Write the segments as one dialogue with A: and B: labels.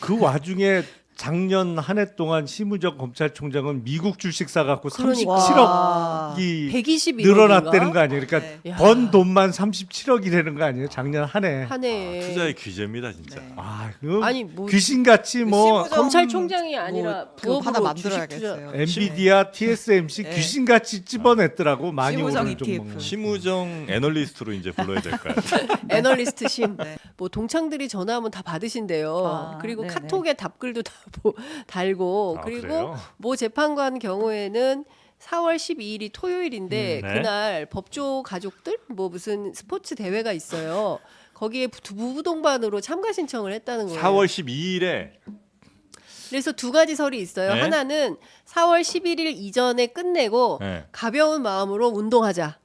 A: 그 와중에 작년 한 해 동안 심우정 검찰총장은 미국 주식 사갖고
B: 와.
A: 37억이
C: 121억
A: 늘어났다는 거 아니에요? 그러니까
B: 네.
A: 번 돈만 37억이라는 거 아니에요? 작년 한 해.
C: 한 해에
D: 투자의 규제입니다 진짜.
B: 네.
A: 아, 그거
C: 아니 뭐
A: 귀신같이 뭐
B: 심우정
C: 검찰총장이 아니라
B: 뭐 그거 하나
C: 부업으로 주식 투자.
B: 만들어야겠어요.
A: 엔비디아, TSMC
B: 네.
A: 귀신같이 찝어냈더라고. 많이
B: 심우정
A: 오른
B: ETF.
A: 종목은.
D: 심우정 애널리스트로 이제 불러야 될 거야.
C: 애널리스트 심.
B: 네.
C: 뭐 동창들이 전화하면 다 받으신대요.
B: 아,
C: 그리고
B: 네네.
C: 카톡에 답글도 다 달고
D: 아,
C: 그리고
D: 그래요?
C: 모 재판관 경우에는 4월 12일이 토요일인데
D: 네.
C: 그날 법조 가족들 뭐 무슨 스포츠 대회가 있어요. 거기에 부부 동반으로 참가 신청을 했다는 거예요.
D: 4월 12일에
C: 그래서 두 가지 설이 있어요.
D: 네.
C: 하나는 4월 11일 이전에 끝내고
D: 네.
C: 가벼운 마음으로 운동하자.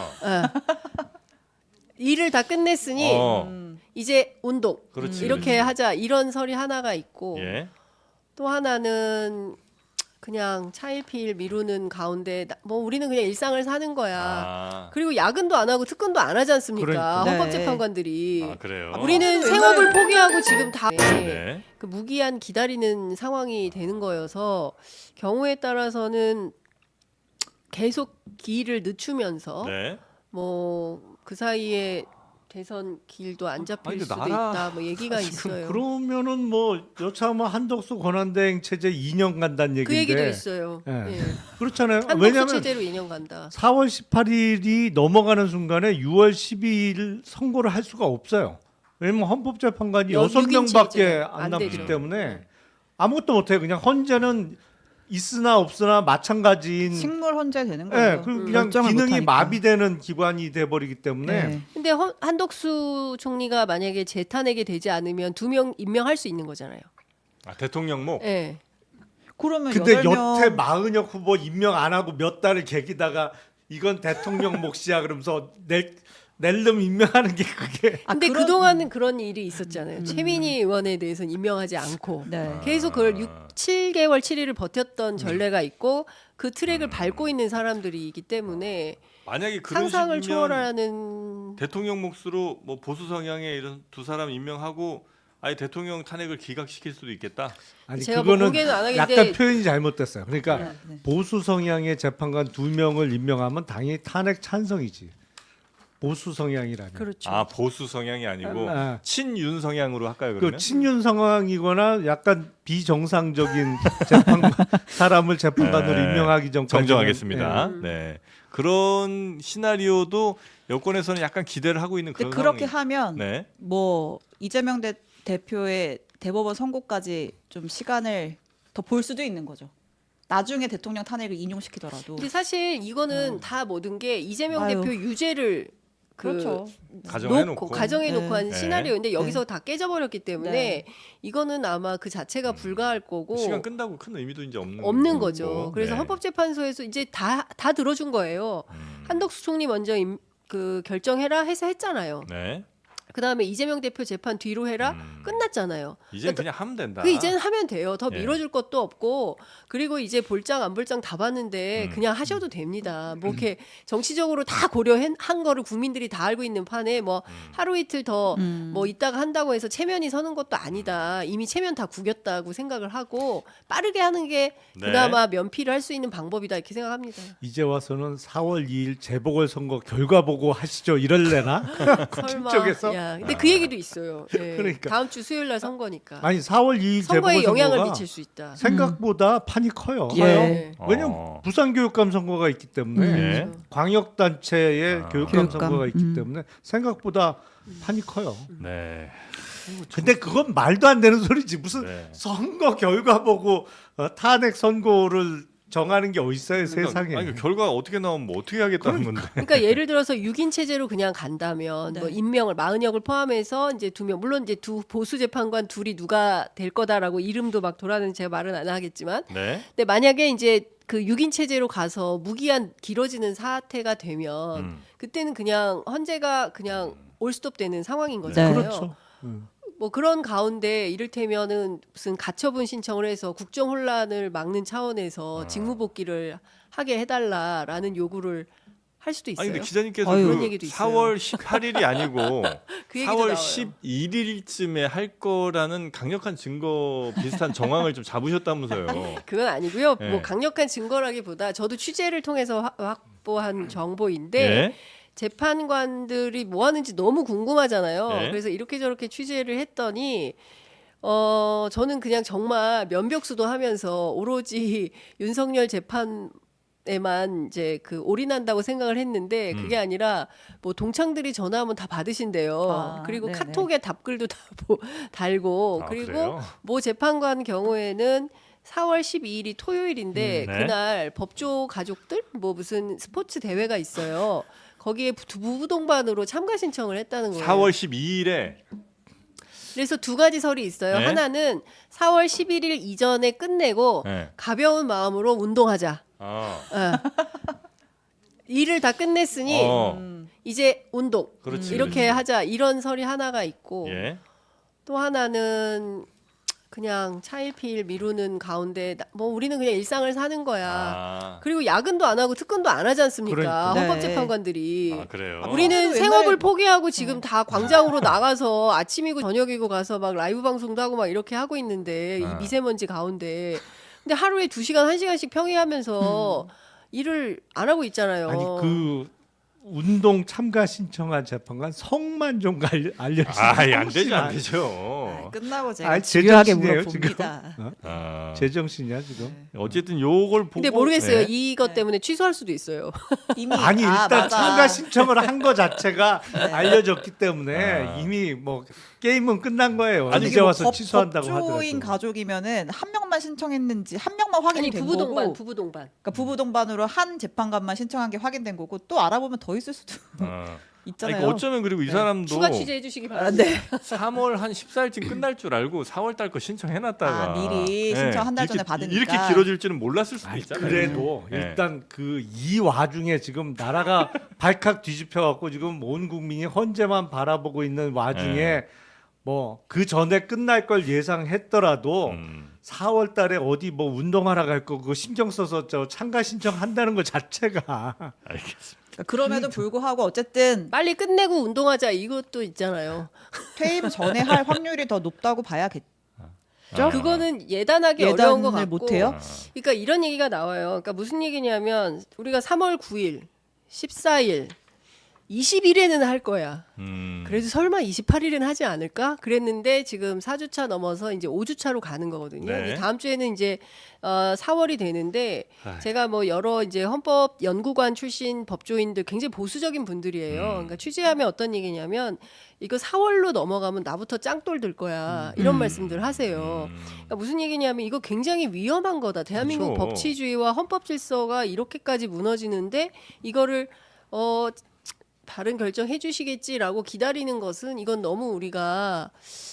C: 일을 다 끝냈으니 이제 운동
D: 그렇지,
C: 이렇게
D: 그렇지.
C: 하자 이런 설이 하나가 있고
D: 예.
C: 또 하나는 그냥 차일피일 미루는 가운데 뭐 우리는 그냥 일상을 사는 거야.
D: 아,
C: 그리고 야근도 안 하고 특근도 안 하지 않습니까?
A: 그러니까.
C: 헌법재판관들이.
D: 아 그래요.
C: 우리는 생업을 포기하고 지금 다
D: 네.
C: 그 무기한 기다리는 상황이 되는 거여서 경우에 따라서는 계속 기일을 늦추면서
D: 네.
C: 뭐 그 사이에 대선 길도 안 잡힐
A: 아니, 근데
C: 수도
A: 나라-
C: 있다 뭐 얘기가 있어요.
A: 그러면은 뭐 여차하면 한덕수 권한대행 체제 2년 간다는 얘기인데.
C: 그 얘기도 있어요.
A: 예.
C: 예.
A: 그렇잖아요.
C: 한국수
A: 왜냐하면
C: 체제로 2년 간다.
A: 4월 18일이 넘어가는 순간에 6월 12일 선고를 할 수가 없어요. 왜냐면 헌법재판관이
C: 여-
A: 6명밖에
C: 육인체제.
A: 안
C: 안
A: 남기
C: 되죠.
A: 때문에 아무것도 못해요. 그냥 헌재는 있으나 없으나 마찬가지인.
B: 식물 헌재 되는
A: 예,
B: 거예요.
A: 그냥
B: 결정을
A: 기능이
B: 못하니까.
A: 마비되는 기관이 돼버리기 때문에
B: 네.
C: 근데 한덕수 총리가 만약에 재탄핵이 되지 않으면 2명 임명할 수 있는 거잖아요.
D: 아, 대통령목.
C: 예.
B: 그러면
A: 근데
B: 8명
A: 여태 마은혁 후보 임명 안 하고 몇 달을 계기다가 이건 대통령 몫이야 그러면서 낼름 임명하는 게 그게
C: 근데
B: 그런-
C: 그동안은 그런 일이 있었잖아요. 최민희 의원에 대해서는 임명하지 않고
B: 네.
C: 계속 그걸 7개월 7일을 버텼던 전례가 있고 그 트랙을 밟고 있는 사람들이기 때문에
D: 만약에 그런
C: 상상을
D: 식이면
C: 초월하는
D: 대통령 몫으로 뭐 보수 성향의 이런 두 사람 임명하고 아예 대통령 탄핵을 기각시킬 수도 있겠다.
A: 아니
C: 제가 뭐
A: 그거는
C: 공개는 안 하겠는데-
A: 약간 표현이 잘못됐어요. 그러니까
B: 네, 네.
A: 보수 성향의 재판관 2명을 임명하면 당연히 탄핵 찬성이지. 보수 성향이라면.
C: 그렇죠.
D: 아 보수 성향이 아니고
A: 아.
D: 친윤 성향으로 할까요
A: 그
D: 그러면?
A: 친윤 상황이거나 약간 비정상적인 재판관 사람을 재판관으로
D: 네.
A: 임명하기 전까지
D: 정정하겠습니다. 네. 그런 시나리오도 여권에서는 약간 기대를 하고 있는
B: 근데
D: 그런
B: 그렇게
D: 상황이.
B: 하면
D: 네.
B: 뭐 이재명 대표의 대법원 선고까지 좀 시간을 더 볼 수도 있는 거죠. 나중에 대통령 탄핵을 인용시키더라도.
C: 근데 사실 이거는 다 모든 게 이재명
B: 아유.
C: 대표 유죄를
B: 그렇죠.
D: 가정해놓고.
C: 가정해놓고 한
D: 네.
C: 시나리오인데 여기서 다 깨져버렸기 때문에
B: 네.
C: 이거는 아마 그 자체가 불가할 거고
D: 시간 끈다고 큰 의미도 이제 없는
C: 없는 거죠. 그래서
D: 네.
C: 헌법재판소에서 이제 다 들어준 거예요. 한덕수 총리 먼저 그 결정해라 해서 했잖아요.
D: 네.
C: 그 다음에 이재명 대표 재판 뒤로 해라 끝났잖아요.
D: 이제 그냥 하면 된다.
C: 그 이제는 하면 돼요. 더
D: 예.
C: 밀어줄 것도 없고 그리고 이제 볼장 안 볼장 다 봤는데 그냥 하셔도 됩니다. 뭐 이렇게 정치적으로 다 고려한 거를 국민들이 다 알고 있는 판에 뭐 하루 이틀 더 뭐 있다가 한다고 해서 체면이 서는 것도 아니다. 이미 체면 다 구겼다고 생각을 하고 빠르게 하는 게
D: 네.
C: 그나마 면피를 할 수 있는 방법이다 이렇게 생각합니다.
A: 이제 와서는 4월 2일 재보궐선거 결과 보고 하시죠 이럴래나?
C: 설마.
A: 쪽에서?
C: 야, 근데 그 얘기도 있어요. 예.
A: 그러니까.
C: 다음 주 수요일 날 선거니까.
A: 아니 4월 2일
C: 선거에 영향을
A: 재보궐선거가
C: 미칠 수 있다.
A: 생각보다 판이 커요.
B: 예.
C: 네.
A: 왜냐면 부산교육감 선거가 있기 때문에
D: 네.
A: 광역단체의 교육감
B: 교육감.
A: 선거가 있기 때문에 생각보다 판이 커요.
D: 네.
A: 근데 그건 말도 안 되는 소리지. 무슨
D: 네.
A: 선거 결과 보고 탄핵 선고를 정하는 게 어딨어요 세상에.
D: 아니, 결과가 어떻게 나오면 뭐 어떻게 하겠다는 건데.
C: 그러니까 예를 들어서 6인 체제로 그냥 간다면
B: 네.
C: 뭐 임명을 마은혁을 포함해서 이제 2명 물론 이제 두 보수 재판관 둘이 누가 될 거다라고 이름도 막 돌아다니는 제가 말은 안 하겠지만
D: 네.
C: 근데 만약에 이제 그 6인 체제로 가서 무기한 길어지는 사태가 되면 그때는 그냥 헌재가 그냥 올스톱 되는 상황인 거잖아요.
A: 그렇죠.
C: 뭐 그런 가운데 이를테면은 무슨 가처분 신청을 해서 국정 혼란을 막는 차원에서 직무복귀를 하게 해달라라는 요구를 할 할 수도 있어요.
D: 아니 근데 기자님께서
B: 어휴.
C: 그런
D: 그
C: 얘기도 있어요.
D: 4월 18일이 아니고
C: 그 얘기도
D: 4월
C: 나와요.
D: 11일쯤에 할 거라는 강력한 증거 비슷한 정황을 좀 잡으셨다면서요.
C: 그건 아니고요.
D: 예.
C: 뭐 강력한 증거라기보다 저도 취재를 통해서 확보한 정보인데
D: 예?
C: 재판관들이 뭐 하는지 너무 궁금하잖아요.
D: 네.
C: 그래서 이렇게 저렇게 취재를 했더니 저는 그냥 정말 면벽수도 하면서 오로지 윤석열 재판에만 이제 그 올인한다고 생각을 했는데 그게 아니라 뭐 동창들이 전화하면 다 받으신대요.
B: 아,
C: 그리고
B: 네네.
C: 카톡에 답글도 다 달고
D: 아,
C: 그리고
D: 그래요?
C: 모 재판관 경우에는 4월 12일이 토요일인데
D: 네.
C: 그날 법조 가족들 뭐 무슨 스포츠 대회가 있어요. 거기에 부부 동반으로 참가 신청을 했다는 거예요.
D: 4월 12일에
C: 그래서 두 가지 설이 있어요.
D: 네.
C: 하나는 4월 11일 이전에 끝내고
D: 네.
C: 가벼운 마음으로 운동하자. 일을 다 끝냈으니 이제 운동
D: 그렇지,
C: 이렇게
D: 그렇지.
C: 하자 이런 설이 하나가 있고
D: 예.
C: 또 하나는 그냥 차일피일 미루는 가운데 뭐 우리는 그냥 일상을 사는 거야.
D: 아,
C: 그리고 야근도 안 하고 특근도 안 하지 않습니까?
A: 그러니까.
C: 헌법재판관들이.
D: 아 그래요.
C: 우리는
B: 옛날에-
C: 생업을 포기하고 지금 다 광장으로 나가서 아침이고 저녁이고 가서 막 라이브 방송도 하고 막 이렇게 하고 있는데 이
D: 아.
C: 미세먼지 가운데 근데 하루에 2시간 1시간씩 평이하면서 일을 안 하고 있잖아요.
A: 아니 그 운동 참가 신청한 재판관 성만 좀 알려주세요.
D: 아이 안 되죠 안 되죠.
B: 끝나고 제가
A: 아니,
B: 집요하게
A: 제정신이에요,
B: 물어봅니다.
D: 아,
A: 제정신이야 지금.
D: 어쨌든 요걸 보고
C: 근데 모르겠어요.
D: 네.
C: 이것 때문에 취소할 수도 있어요.
B: 이미
A: 아니 일단
B: 맞아.
A: 참가 신청을 한 거 자체가 알려졌기 때문에
D: 아.
A: 이미 뭐 게임은 끝난 거예요.
D: 아니,
A: 이제
B: 이게 뭐
A: 와서 취소한다고
B: 법조인
A: 하더라도.
B: 가족이면은 한 명만 신청했는지 한 명만 확인이
C: 아니
B: 된
C: 부부 동반,
B: 거고,
C: 부부 동반.
B: 그러니까 부부 동반으로 한 재판관만 신청한 게 확인된 거고 또 알아보면 더 있을 수도
D: 아. 아니,
B: 있잖아요.
D: 그 어쩌면 그리고 이
B: 네.
D: 사람도
C: 추가 취재해 주시기
B: 아,
C: 바랍니다.
B: 네.
D: 3월 한 14일쯤 끝날 줄 알고 4월 달 거 신청해놨다가
B: 아, 미리 신청 한달 전에 받으니까.
D: 이렇게 길어질 줄은 몰랐을 수도
A: 아니,
D: 있잖아요.
A: 그래도
D: 네.
A: 일단 그 이 와중에 지금 나라가 발칵 뒤집혀 갖고 지금 온 국민이 헌재만 바라보고 있는 와중에
D: 네.
A: 뭐 그 전에 끝날 걸 예상했더라도 4월 달에 어디 뭐 운동하러 갈 거 그거 신경 써서 저 참가 신청한다는 것 자체가
D: 알겠습니다.
B: 그럼에도 불구하고 어쨌든
C: 빨리 끝내고 운동하자 이것도 있잖아요.
B: 퇴임 전에 할 확률이 더 높다고 봐야겠죠.
D: 아.
C: 그거는 예단하기 어려운 것
B: 예단을
C: 같고.
B: 못해요?
C: 그러니까 이런 얘기가 나와요. 그러니까 무슨 얘기냐면 우리가 3월 9일, 14일, 20일에는 할 거야. 그래도 설마 28일은 하지 않을까? 그랬는데 지금 4주차 넘어서 이제 5주차로 가는 거거든요.
D: 네.
C: 다음 주에는 이제 4월이 되는데
D: 아휴.
C: 제가 뭐 여러 이제 헌법 연구관 출신 법조인들 굉장히 보수적인 분들이에요. 그러니까 취재하면 어떤 얘기냐면 이거 4월로 넘어가면 나부터 짱돌 들 거야. 이런 말씀들 하세요. 그러니까 무슨 얘기냐면 이거 굉장히 위험한 거다. 대한민국
D: 그렇죠.
C: 법치주의와 헌법 질서가 이렇게까지 무너지는데 이거를 다른 결정해 주시겠지라고 기다리는 것은 이건 너무 우리가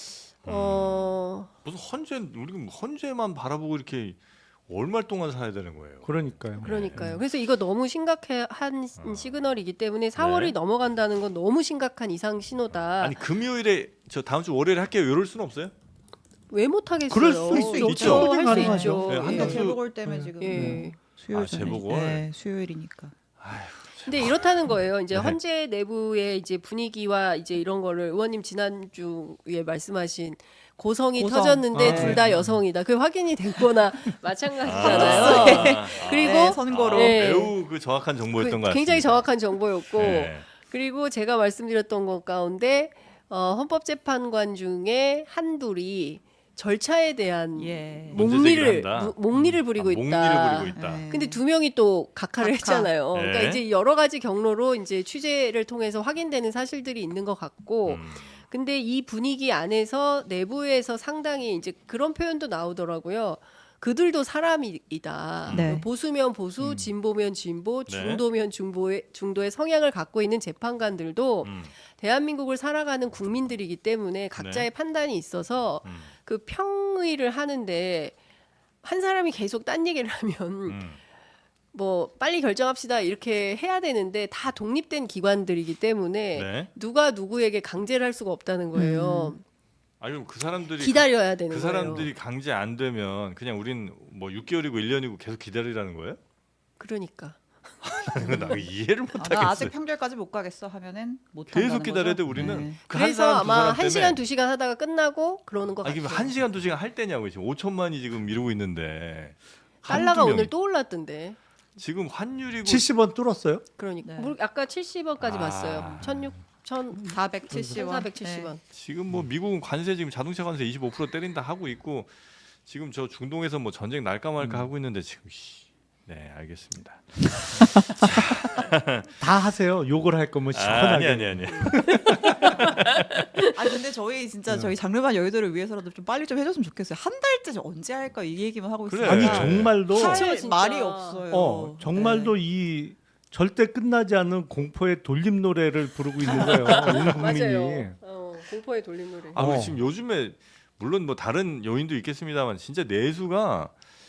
D: 무슨 헌재 우리 헌재만 바라보고 이렇게 얼마 동안 살아야 되는 거예요.
A: 그러니까요.
C: 그러니까요. 그래서 이거 너무 심각한 시그널이기 때문에 4월이 넘어간다는 건 너무 심각한 이상 신호다.
D: 아니 금요일에 저 다음 주 월요일에 할게요. 이럴 수는 없어요?
C: 왜 못 하겠어요?
A: 그럴 수 있죠.
C: 있죠.
A: 충분히
C: 할 수
A: 가능하죠.
C: 있죠.
D: 네,
C: 예.
D: 한달
B: 재보궐 때문에 지금
C: 예.
B: 수요일
D: 아, 재보궐?
B: 네, 수요일이니까.
C: 근데 이렇다는 거예요. 이제
D: 네.
C: 헌재 내부의 이제 분위기와 이제 이런 거를 의원님 지난주에 말씀하신 고성이
B: 고성.
C: 터졌는데
A: 아,
C: 둘
A: 네.
C: 다 여성이다. 그게 확인이 됐거나 마찬가지잖아요. 그리고
B: 네, 선거로
C: 네.
D: 매우 그 정확한 정보였던 것 같습니다.
C: 굉장히 정확한 정보였고
D: 네.
C: 그리고 제가 말씀드렸던 것 가운데 헌법재판관 중에 한둘이 절차에 대한
B: 예.
D: 문제
C: 목리를
D: 제기를 한다.
C: 목리를 부리고 있다.
D: 목리를 부리고 있다.
B: 네.
C: 근데 두 명이 또 각하를
B: 각하.
C: 했잖아요. 그러니까
D: 네.
C: 이제 여러 가지 경로로 이제 취재를 통해서 확인되는 사실들이 있는 것 같고, 근데 이 분위기 안에서 내부에서 상당히 이제 그런 표현도 나오더라고요. 그들도 사람이다.
B: 네.
C: 보수면 보수, 진보면 진보,
D: 네.
C: 중도면 중도의 성향을 갖고 있는 재판관들도 대한민국을 살아가는 국민들이기 때문에 각자의 판단이 있어서 그 평의를 하는데 한 사람이 계속 딴 얘기를 하면 뭐 빨리 결정합시다 이렇게 해야 되는데 다 독립된 기관들이기 때문에
D: 네.
C: 누가 누구에게 강제를 할 수가 없다는 거예요.
D: 아니 그럼 그 사람들이
C: 기다려야 되는
D: 그
C: 거예요.
D: 사람들이 강제 안 되면 그냥 우린 뭐 6개월이고 1년이고 계속 기다리라는 거예요?
C: 그러니까
D: 나 이해를 못
B: 나
D: 하겠어.
B: 아직 평결까지 못 가겠어 하면은 못
D: 계속
B: 한다는
D: 기다려야 돼
B: 거죠?
D: 우리는.
B: 네.
D: 그 한
C: 그래서
D: 사람, 두
C: 아마
D: 사람
C: 1시간
D: 때문에.
C: 2시간 하다가 끝나고 그러는 것
D: 아니
C: 같아요.
D: 그럼 1시간 2시간 할 때냐고 지금 5천만이 지금 미루고 있는데.
C: 달러가
D: 한두
C: 오늘
D: 명이.
C: 또 올랐던데.
D: 지금 환율이고
A: 70원 뚫었어요?
C: 그러니까
B: 네.
C: 뭐 아까 70원까지
D: 아.
C: 봤어요.
B: 470원.
C: 1470원.
D: 지금 뭐 미국은 관세 지금 자동차 관세 25% 때린다 하고 있고 지금 저 중동에서 뭐 전쟁 날까 말까 하고 있는데 지금 네 알겠습니다.
A: 다 하세요. 욕을 할 거면 시원하게.
D: 아니.
B: 아 근데 저희 진짜 저희 장르반 여의도를 위해서라도 좀 빨리 좀 해줬으면 좋겠어요. 한 달째 언제 할까 이 얘기만 하고
D: 그래.
B: 있어요.
A: 아니
D: 네.
A: 정말도
B: 할
C: 그쵸, 진짜.
B: 말이 없어요.
A: 정말도
B: 네.
A: 이 절대 끝나지 않는 공포의 돌림 노래를 부르고 있는 거예요. 온 국민이.
C: 맞아요. 공포의 돌림 노래.
D: 아, 근데
A: 어.
D: 지금 요즘에 물론 뭐 다른 요인도 있겠습니다만 진짜 내수가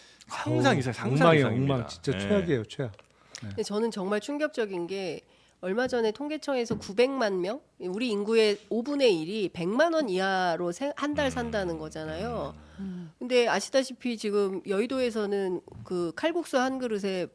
D: 상상 이상 상상
A: 엉망이에요,
D: 이상입니다.
A: 엉망. 진짜
D: 네.
A: 최악이에요, 최악.
C: 근데 저는 정말 충격적인 게 얼마 전에 통계청에서 900만 명, 우리 인구의 5분의 1이 100만 원 이하로 한 달 산다는 거잖아요. 근데 아시다시피 지금 여의도에서는 그 칼국수 한 그릇에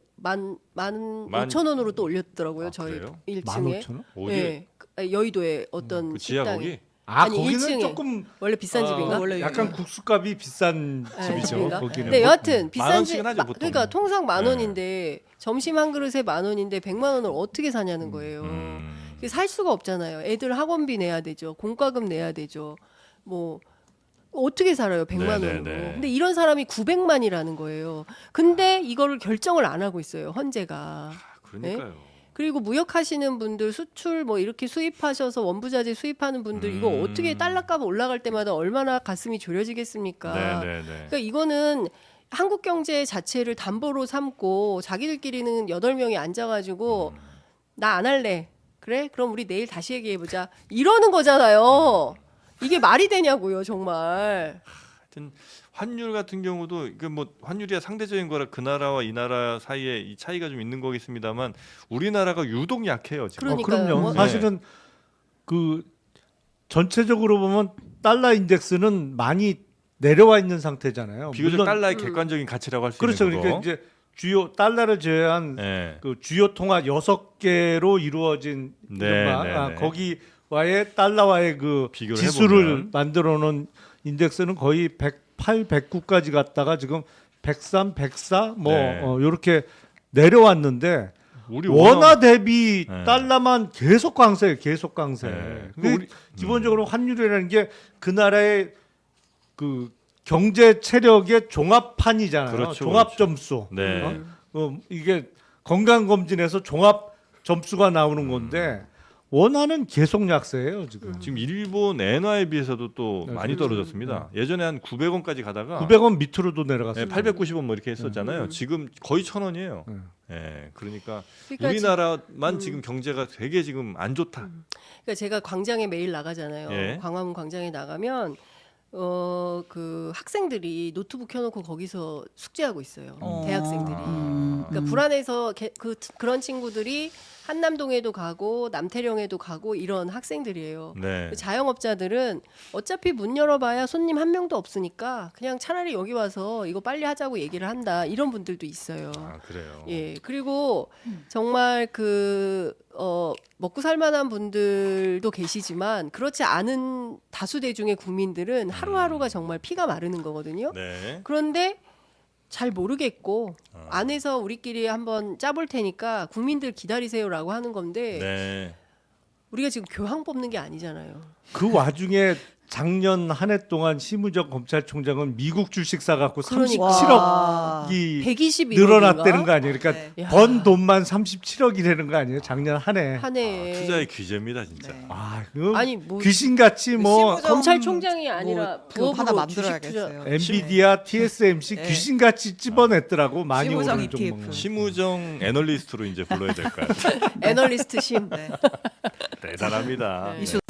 C: 15,000원으로 또 올렸더라고요.
D: 아,
C: 저희
D: 그래요?
C: 1층에.
A: 15,000원?
D: 어디?
C: 네. 여의도의 어떤
D: 그 지하
C: 식당에.
D: 거기?
A: 아,
C: 아니,
A: 거기는
C: 1층에.
A: 조금
C: 원래 비싼 집인가?
B: 원래
A: 약간
B: 유명해요.
A: 국수값이 비싼
C: 네,
A: 집이죠.
C: 집인가?
A: 거기는.
C: 네,
A: 뭐-
C: 여하튼
D: 만
C: 비싼 집.
D: 원씩은 하죠, 보통.
C: 그러니까 통상 만
D: 네.
C: 원인데 점심 한 그릇에 만 원인데 100만 원을 어떻게 사냐는 거예요. 그게 살 수가 없잖아요. 애들 학원비 내야 되죠. 공과금 내야 되죠. 뭐 어떻게 살아요? 100만
D: 네,
C: 원으로.
D: 네, 네.
C: 근데 이런 사람이 900만이라는 거예요. 근데 이거를 결정을 안 하고 있어요. 헌재가.
D: 아, 그러니까요.
C: 그리고 무역하시는 분들 수출 뭐 이렇게 수입하셔서 원부자재 수입하는 분들 이거 어떻게 달러값 올라갈 때마다 얼마나 가슴이 졸여지겠습니까?
D: 네네네.
C: 그러니까 이거는 한국 경제 자체를 담보로 삼고 자기들끼리는 8명이 앉아가지고 나 안 할래. 그래? 그럼 우리 내일 다시 얘기해보자. 이러는 거잖아요. 이게 말이 되냐고요, 정말.
D: 하여튼 환율 같은 경우도 그 뭐 환율이야 상대적인 거라 그 나라와 이 나라 사이에 이 차이가 좀 있는 거겠습니다만 우리나라가 유독 약해요 지금.
C: 그러니까요.
A: 그럼요.
C: 뭐-
A: 사실은 그 전체적으로 보면 달러 인덱스는 많이 내려와 있는 상태잖아요.
D: 비교적
A: 물론
D: 달러의 객관적인 가치라고 할 수
A: 그렇죠.
D: 있는
A: 그러니까
D: 거고.
A: 이제 주요 달러를 제외한
D: 네.
A: 그 주요 통화 6개로 이루어진
D: 네,
A: 이른바
D: 네, 네.
A: 거기와의 달러의 그
D: 비교를
A: 지수를
D: 해보면.
A: 만들어 놓은 인덱스는 거의 108, 109까지 갔다가 지금 103, 104 뭐
D: 네.
A: 요렇게 내려왔는데
D: 우리
A: 원화 대비
D: 네.
A: 달러만 계속 강세예요. 계속 강세.
D: 네.
A: 그
D: 우리-
A: 기본적으로 환율이라는 게 그 나라의 그 경제 체력의 종합판이잖아요.
D: 그렇죠,
A: 종합
D: 그렇죠.
A: 점수.
D: 네.
A: 이게 건강 검진에서 종합 점수가 나오는 건데 원화는 계속 약세예요 지금.
D: 지금 일본 엔화에 비해서도 또
A: 네,
D: 많이
A: 그렇죠.
D: 떨어졌습니다. 예전에 한 900원까지 가다가
A: 900원 밑으로도 내려갔어요.
D: 890원 뭐 이렇게 했었잖아요. 지금 거의 1,000원이에요.
A: 네.
D: 예, 그러니까
C: 그러니까
D: 우리나라만 지금 경제가 되게 지금 안 좋다.
C: 그러니까 제가 광장에 매일 나가잖아요.
D: 예.
C: 광화문 광장에 나가면 그 학생들이 노트북 켜놓고 거기서 숙제하고 있어요. 대학생들이. 그러니까 불안해서 그런 친구들이 한남동에도 가고 남태령에도 가고 이런 학생들이에요.
D: 네.
C: 자영업자들은 어차피 문 열어봐야 손님 한 명도 없으니까 그냥 차라리 여기 와서 이거 빨리 하자고 얘기를 한다. 이런 분들도 있어요.
D: 아, 그래요.
C: 예, 그리고 정말 먹고 살만한 분들도 계시지만 그렇지 않은 다수 대중의 국민들은 하루하루가 정말 피가 마르는 거거든요.
D: 네.
C: 그런데 잘 모르겠고
D: 아.
C: 안에서 우리끼리 한번 짜볼 테니까 국민들 기다리세요라고 하는 건데
D: 네.
C: 우리가 지금 교황 뽑는 게 아니잖아요.
A: 그 와중에 작년 한 해 동안 심우정 검찰총장은 미국 주식 사갖고
C: 그러니까.
A: 37억이
C: 121억
A: 늘어났다는 거 아니에요? 그러니까
B: 네.
A: 번 돈만 37억이라는 거 아니에요? 작년 한 해.
C: 한 해에
D: 투자의 규제입니다, 진짜.
B: 네.
A: 아, 그
C: 아니 뭐
A: 귀신같이 뭐
B: 심우정
C: 검찰총장이 아니라
B: 뭐 그거 하나
C: 부업으로 주식 투자
B: 만들어야겠어요.
A: 엔비디아, TSMC
B: 네.
A: 귀신같이 찝어냈더라고. 많이
B: 심우정
A: 오른
B: ETF.
A: 종목.
D: 심우정 애널리스트로 이제 불러야 될까요?
C: 애널리스트 심.
B: 네.
D: 대단합니다.
C: 네.
B: 이슈